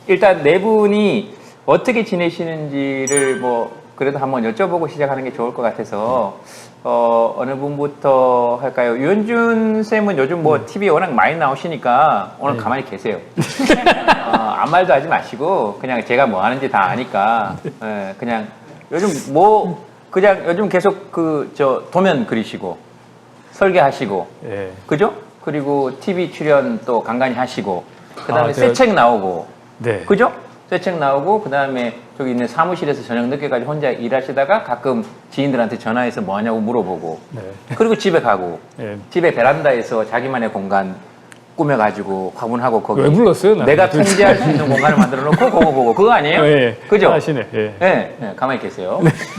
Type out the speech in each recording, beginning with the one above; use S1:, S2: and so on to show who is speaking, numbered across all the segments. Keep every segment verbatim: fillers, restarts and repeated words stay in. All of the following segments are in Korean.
S1: 일단 네 분이 어떻게 지내시는지를 뭐 그래도 한번 여쭤보고 시작하는 게 좋을 것 같아서 어, 어느 분부터 할까요? 유현준 쌤은 요즘 뭐 티비에 워낙 많이 나오시니까 오늘
S2: 네.
S1: 가만히 계세요. 어, 아무 말도 하지 마시고 그냥 제가 뭐 하는지 다 아니까 예, 그냥 요즘 뭐 그냥 요즘 계속 그 저 도면 그리시고 설계하시고
S2: 예.
S1: 그죠? 그리고 티비 출연 또 간간히 하시고 그다음에
S2: 아,
S1: 새
S2: 제가-
S1: 책 나오고
S2: 네.
S1: 그죠? 새 책 나오고 그다음에 저기 있는 사무실에서 저녁 늦게까지 혼자 일하시다가 가끔 지인들한테 전화해서 뭐 하냐고 물어보고
S2: 네.
S1: 그리고 집에 가고
S2: 예.
S1: 집에 베란다에서 자기만의 공간 꾸며가지고 화분하고 거기
S2: 왜 불렀어요? 나는?
S1: 내가 통제할 수 있는 공간을 만들어 놓고 그거 보고 그거 아니에요?
S2: 예.
S1: 그죠?
S2: 하시네. 예.
S1: 네, 네, 가만히 계세요.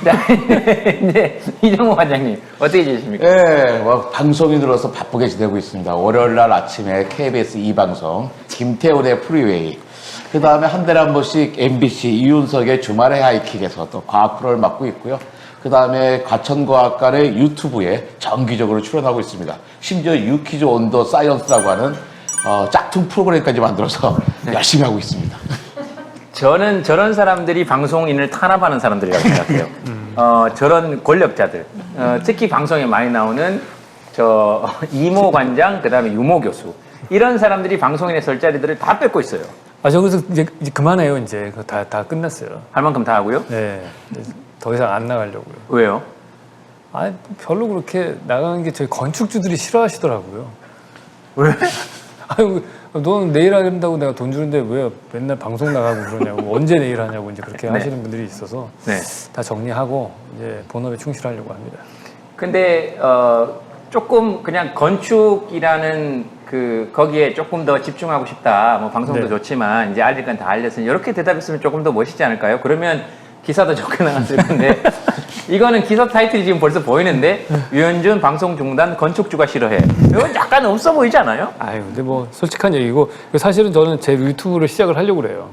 S1: 네, 이정호 관장님 어떻게 지내십니까?
S3: 예, 뭐 방송인으로서 바쁘게 지내고 있습니다. 월요일 날 아침에 케이비에스 이 방송, 김태훈의 프리웨이, 그 다음에 한 달에 한 번씩 엠비씨 이윤석의 주말의 하이킥에서 또 과학 프로를 맡고 있고요. 그 다음에 과천과학관의 유튜브에 정기적으로 출연하고 있습니다. 심지어 유퀴즈 온 더 사이언스라고 하는 어, 짝퉁 프로그램까지 만들어서 열심히 하고 있습니다.
S1: 저는 저런 사람들이 방송인을 탄압하는 사람들이라고 생각해요. 어, 저런 권력자들, 어, 특히 방송에 많이 나오는 저 이모 관장, 그 다음에 유모 교수 이런 사람들이 방송인의 설 자리들을 다 뺏고 있어요.
S2: 아, 저 그래서 이제, 이제 그만해요. 이제 그거 다, 다 끝났어요.
S1: 할 만큼 다 하고요.
S2: 네. 더 이상 안 나가려고요.
S1: 왜요?
S2: 아, 별로 그렇게 나가는 게 저희 건축주들이 싫어하시더라고요.
S1: 왜?
S2: 아유, 너는 내일 한다고 내가 돈 주는데 왜 맨날 방송 나가고 그러냐고, 언제 내일 하냐고 이제 그렇게
S1: 네.
S2: 하시는 분들이 있어서
S1: 네.
S2: 다 정리하고 이제 본업에 충실하려고 합니다.
S1: 근데 어, 조금 그냥 건축이라는 그 거기에 조금 더 집중하고 싶다. 뭐 방송도
S2: 네.
S1: 좋지만 이제 알릴 건 다 알렸으니 이렇게 대답했으면 조금 더 멋있지 않을까요? 그러면 기사도 좋게 나갔을 건데 이거는 기사 타이틀이 지금 벌써 보이는데 유현준 방송 중단 건축주가 싫어해. 이건 약간 없어 보이지 않아요?
S2: 아유, 근데 뭐 솔직한 얘기고 사실은 저는 제 유튜브를 시작을 하려고 그래요.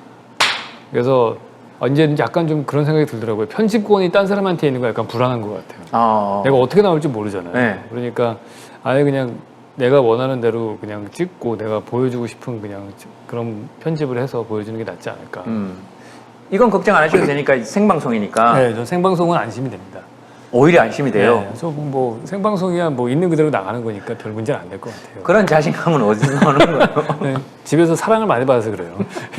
S2: 그래서 이제 약간 좀 그런 생각이 들더라고요. 편집권이 딴 사람한테 있는 거 약간 불안한 것 같아요.
S1: 어.
S2: 내가 어떻게 나올지 모르잖아요.
S1: 네.
S2: 그러니까 아예 그냥 내가 원하는 대로 그냥 찍고 내가 보여주고 싶은 그냥 그런 편집을 해서 보여주는 게 낫지 않을까.
S1: 음. 이건 걱정 안 하셔도 되니까 생방송이니까
S2: 네, 저 생방송은 안심이 됩니다.
S1: 오히려 안심이 돼요.
S2: 네, 저뭐 생방송이야 뭐 있는 그대로 나가는 거니까 별 문제는 안 될 것 같아요.
S1: 그런 자신감은 어디서 나오는 거예요?
S2: 네, 집에서 사랑을 많이 받아서 그래요.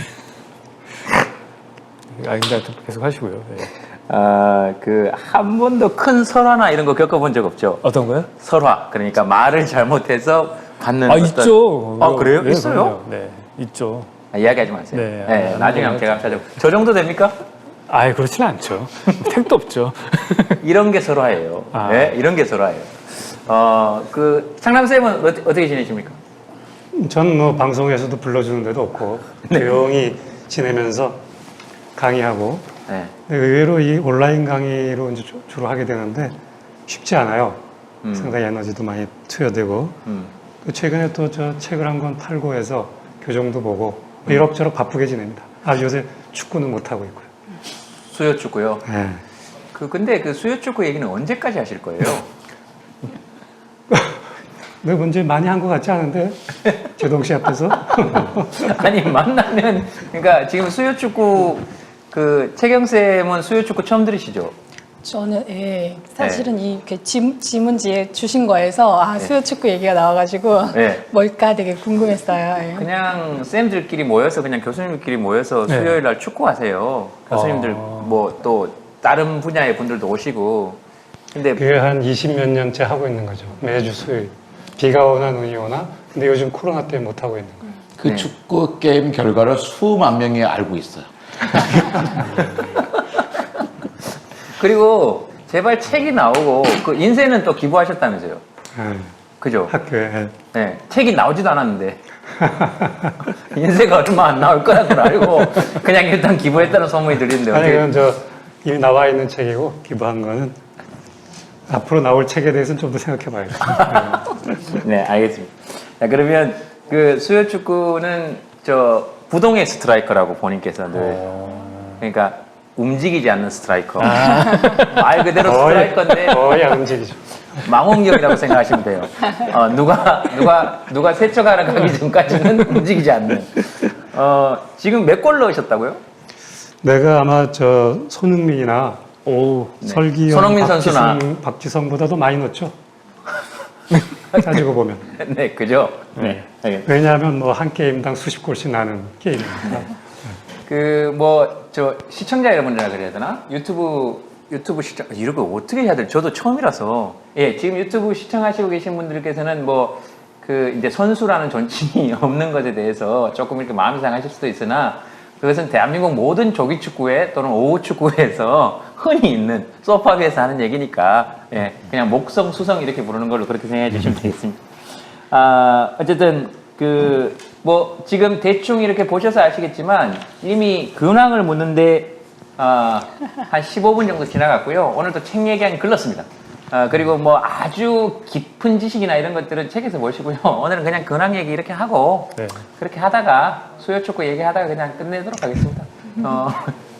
S2: 아, 근데 계속 하시고요. 네.
S1: 아, 그 한 번도 큰 설화나 이런 거 겪어본 적 없죠?
S2: 어떤 거요?
S1: 설화. 그러니까 말을 잘못해서 받는
S2: 아,
S1: 어떤-
S2: 있죠.
S1: 아, 그래요?
S2: 네,
S1: 있어요?
S2: 그럼요. 네, 있죠.
S1: 아, 이야기하지 마세요.
S2: 네,
S1: 네,
S2: 아,
S1: 나중에 한번 제가 찾아보. 저 정도 됩니까?
S2: 아예 그렇지는 않죠. 택도 없죠.
S1: 이런 게 설화예요.
S2: 아.
S1: 네, 이런 게 설화예요. 어, 그 창남 쌤은 어떻게, 어떻게 지내십니까?
S4: 전 뭐 방송에서도 불러주는 데도 없고 조용히 지내면서 강의하고
S1: 네.
S4: 근데 의외로 이 온라인 강의로 이제 주- 주로 하게 되는데 쉽지 않아요.
S1: 음.
S4: 상당히 에너지도 많이 투여되고
S1: 음.
S4: 또 최근에 또 저 책을 한 권 팔고 해서 교정도 보고 이럭저럭 바쁘게 지냅니다. 아 요새 축구는 못 하고 있고요.
S1: 수요 축구요.
S4: 네.
S1: 그 근데 그 수요 축구 얘기는 언제까지 하실 거예요?
S4: 내 문제 많이 한 것 같지 않은데 제동 씨 앞에서
S1: 아니 만나면 그러니까 지금 수요 축구 그 채경 쌤은 수요 축구 처음 들으시죠?
S5: 저는 예, 사실은 이렇게 지, 지문지에 주신 거에서 아, 수요 축구 얘기가 나와가지고
S1: 네.
S5: 뭘까 되게 궁금했어요. 예.
S1: 그냥 쌤들끼리 모여서 그냥 교수님들끼리 모여서
S2: 네.
S1: 수요일 날 축구하세요. 교수님들
S2: 어.
S1: 뭐 또 다른 분야의 분들도 오시고. 근데
S4: 그게 한 이십 몇 년째 하고 있는 거죠. 매주 수요일. 비가 오나 눈이 오나 근데 요즘 코로나 때문에 못 하고 있는 거예요.
S3: 그
S1: 네.
S3: 축구 게임 결과를 수만 명이 알고 있어요.
S1: 그리고 제발 책이 나오고 그 인쇄는 또 기부하셨다면서요.
S4: 네.
S1: 그죠?
S4: 학교에
S1: 네. 책이 나오지도 않았는데. 인쇄가 얼마 안 나올 거라는 걸 알고 그냥 일단 기부했다는 소문이 들리는데
S4: 아니
S1: 어떻게
S4: 그건 저 이미 나와 있는 책이고 기부한 거는 앞으로 나올 책에 대해서는 좀 더 생각해 봐야겠다.
S1: 네, 알겠습니다. 자, 그러면 그 수요 축구는 저 부동의 스트라이커라고 본인께서 늘 그러니까 움직이지 않는 스트라이커. 말 그대로 스트라이커인데
S4: 거의 안 움직이죠.
S1: 망원경이라고 생각하시면 돼요. 어, 누가 누가 누가 세척하러 가기 전까지는 움직이지 않는. 어, 지금 몇 골 넣으셨다고요?
S4: 내가 아마 저 손흥민이나
S2: 오,
S1: 네.
S4: 설기현,
S1: 손흥민 선수나.
S4: 박지성, 박지성보다도 많이 넣었죠. 따지고 보면.
S1: 네, 그죠? 네. 네.
S4: 왜냐하면 뭐 한 게임당 수십 골씩 나는 게임이니까.
S1: 그, 뭐, 저, 시청자 여러분이라 그래야 되나? 유튜브, 유튜브 시청, 이렇게 어떻게 해야 될지 저도 처음이라서. 예, 지금 유튜브 시청하시고 계신 분들께서는 뭐, 그, 이제 선수라는 존칭이 없는 것에 대해서 조금 이렇게 마음이 상하실 수도 있으나, 그것은 대한민국 모든 조기 축구회 또는 오후 축구회에서 흔히 있는 소파 위에서 하는 얘기니까, 예, 그냥 목성, 수성 이렇게 부르는 걸로 그렇게 생각해 주시면 되겠습니다. 아, 어쨌든, 그, 뭐, 지금 대충 이렇게 보셔서 아시겠지만, 이미 근황을 묻는데, 아, 한 십오 분 정도 지나갔고요. 오늘도 책 얘기하기 글렀습니다. 아, 그리고 뭐 아주 깊은 지식이나 이런 것들은 책에서 보시고요. 오늘은 그냥 근황 얘기 이렇게 하고,
S2: 네.
S1: 그렇게 하다가, 수요축구 얘기하다가 그냥 끝내도록 하겠습니다. 어,